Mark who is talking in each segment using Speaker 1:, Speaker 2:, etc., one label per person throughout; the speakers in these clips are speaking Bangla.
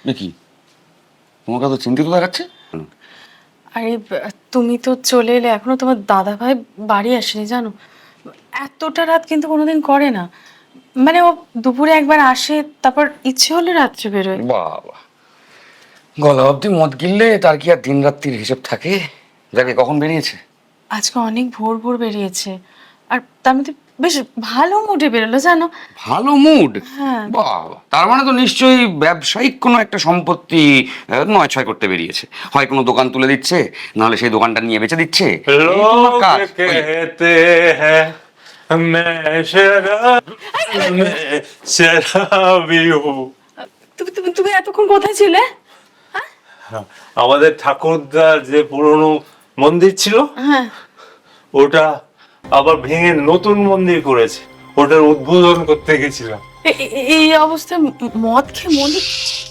Speaker 1: কি তোমাকে তো চিন্তিত দেখাচ্ছে।
Speaker 2: আরে তুমি তো চলে এলে, এখনো তোমার দাদা ভাই বাড়ি আসেনি জানো। এতটা রাত কিন্তু কোনোদিন করে না। মানে ও দুপুরে একবার আসে, তারপর ইচ্ছে হলে রাত্রে বেরোয়।
Speaker 1: বাবা, গলা অব্দি মদ গিললে তার কি আর দিন রাত্রির হিসেব থাকে? যাকে কখন বেরিয়েছে?
Speaker 2: আজকে অনেক ভোর ভোর বেরিয়েছে, আর তার মধ্যে বেশ ভালো মুডে বেরোলো জানো।
Speaker 1: ভালো মুড?
Speaker 2: হ্যাঁ।
Speaker 1: বাবা, তার মানে তো নিশ্চয়ই ব্যবসায়িক কোনো একটা সম্পত্তি নয় ছয় করতে বেরিয়েছে। হয় কোনো দোকান তুলে দিচ্ছে, নাহলে সেই দোকানটা নিয়ে বেচে দিচ্ছে। এই তোমার কাজ।
Speaker 3: लोग कहते हैं मैं शराब मैं शराबी हूँ।
Speaker 2: তুমি তুমি তুমি এতক্ষণ কোথায় ছিলে?
Speaker 3: আমাদের ঠাকুরদার যে পুরনো মন্দির ছিল
Speaker 2: হ্যাঁ।
Speaker 3: ওটা আবার ভেঙে নতুন মন্দির করেছে, ওটার উদ্বোধন করতে গেছিলাম।
Speaker 2: এই অবস্থায় মদ খেয়ে মন্দির?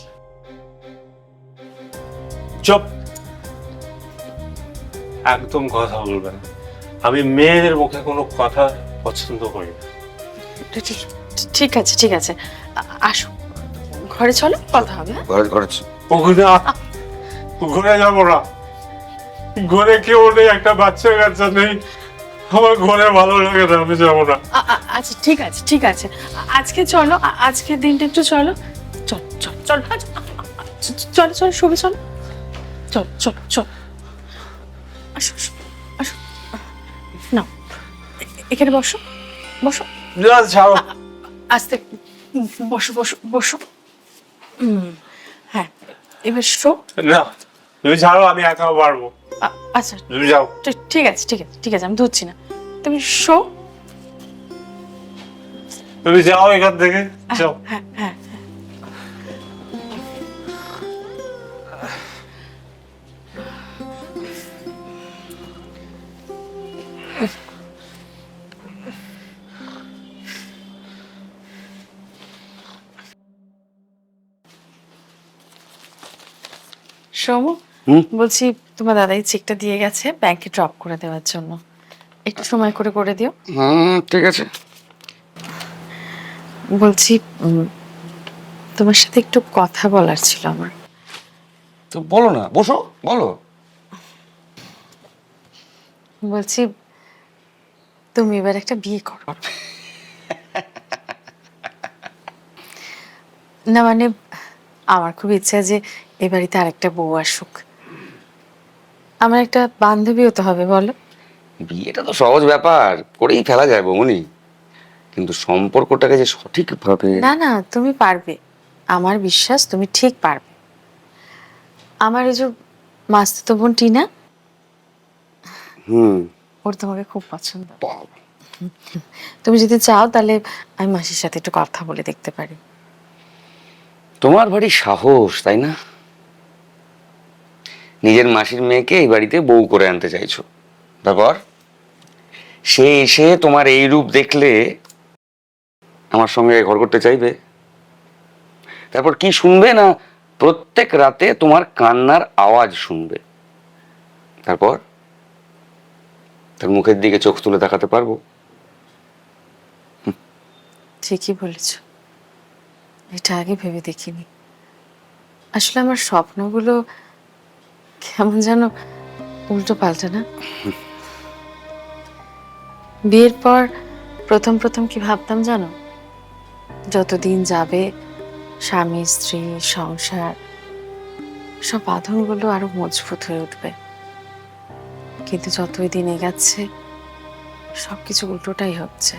Speaker 3: চুপ, একদম কথা বলবেন না। আমি মেয়েদের মুখে কোনো কথা পছন্দ করি না।
Speaker 2: ঠিক আছে ঠিক আছে, আসো ঘরে, চলো কথা হবে। হ্যাঁ?
Speaker 1: ঘরে ঘরেছে।
Speaker 3: ওখানে ঘুরে যাবো না, ঘরে কেউ নেই, একটা বাচ্চা কাচ্চা নেই, আমার ঘরে ভালো লাগে না, আমি যাবো না।
Speaker 2: আচ্ছা ঠিক আছে ঠিক আছে, আজকে চলো, আজকের দিনটা একটু চলো। চল চল চল চলো চলো, শুভে চলো, চল চল চল, আসো আসো, আসো না, এখানে বসো বসো,
Speaker 3: না, ছাড়ো।
Speaker 2: আস্তে, বসো বসো বসো। হ্যাঁ, এবার শো।
Speaker 3: না, তুমি ছাড়ো, আমি একা পারবো।
Speaker 2: আচ্ছা
Speaker 3: তুমি যাও।
Speaker 2: ঠিক আছে ঠিক আছে ঠিক আছে, আমি ধরছি না, তুমি শো।
Speaker 3: তুমি যাও এখান থেকে, যাও।
Speaker 2: হ্যাঁ হ্যাঁ। সোমু, বলছি তোমার দাদাই চেকটা দিয়ে গেছে ব্যাংকে ড্রপ করে দেওয়ার জন্য, একটু সময় করে করে দিও।
Speaker 1: ঠিক আছে।
Speaker 2: বলছি তোমার সাথে একটু কথা বলার ছিল আমার।
Speaker 1: তো বলো না, বসো, বলো।
Speaker 2: বলছি তুমি এবার একটা বিয়ে করো। না মানে আমার খুব ইচ্ছা যে এ বাড়িতে আরেকটা বউ আসুক। আমার একটা বান্ধবীও তো হবে, বলো।
Speaker 1: বিয়েটা তো সহজ ব্যাপার, করেই ফেলা যায় বৌমনি, কিন্তু সম্পর্কটাকে যে সঠিকভাবে।
Speaker 2: না না, তুমি পারবে, আমার বিশ্বাস তুমি ঠিক পারবে। আমার এই যে মাস্তুতো বোন টিনা, ওর তোমাকে খুব পছন্দ।
Speaker 1: বাবা,
Speaker 2: তুমি যদি চাও তাহলে আমি মাসির সাথে একটু কথা বলে দেখতে পারি।
Speaker 1: তোমার ভারী সাহস, তাই না? নিজের মাসির মেয়েকে এই বাড়িতে বউ করে আনতে চাইছো, তারপর সে এসে তোমার এই রূপ দেখলে আমার সঙ্গে ঘর করতে চাইবে? তারপর কি শুনবে না, প্রত্যেক রাতে তোমার কান্নার আওয়াজ শুনবে। তারপর তার মুখের দিকে চোখ তুলে তাকাতে পারবো?
Speaker 2: ঠিকই বলেছ, এটা আগে ভেবে দেখিনি। আসলে আমার স্বপ্নগুলো কেমন যেন উল্টো পাল্টা না। বিয়ের পর প্রথম প্রথম কি ভাবতাম জানো, যতদিন যাবে স্বামী স্ত্রী সংসার সব বাঁধনগুলো আরো মজবুত হয়ে উঠবে, কিন্তু যতই দিন এগাচ্ছে সবকিছু উল্টোটাই হচ্ছে।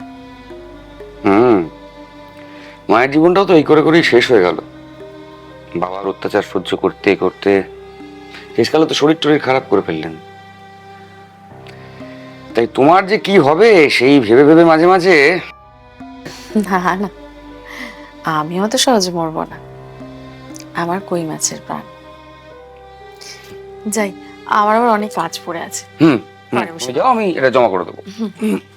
Speaker 1: মায়ের জীবনটাও তো এই করে করেই শেষ হয়ে গেল। বাবার অত্যাচার সহ্য করতে করতে শেষকালে তো শরীর টরীর খারাপ করে ফেললেন। তাই তোমার যে কি হবে সেই ভেবে ভেবে মাঝে মাঝে।
Speaker 2: না না, আমি অত সহজে মরবো না, আমার কই মাছের প্রাণ। যাই, আমার আবার অনেক কাজ পড়ে আছে।
Speaker 1: হুম,
Speaker 2: পরে বসে
Speaker 1: যাও, আমি এটা জমা করে দেবো।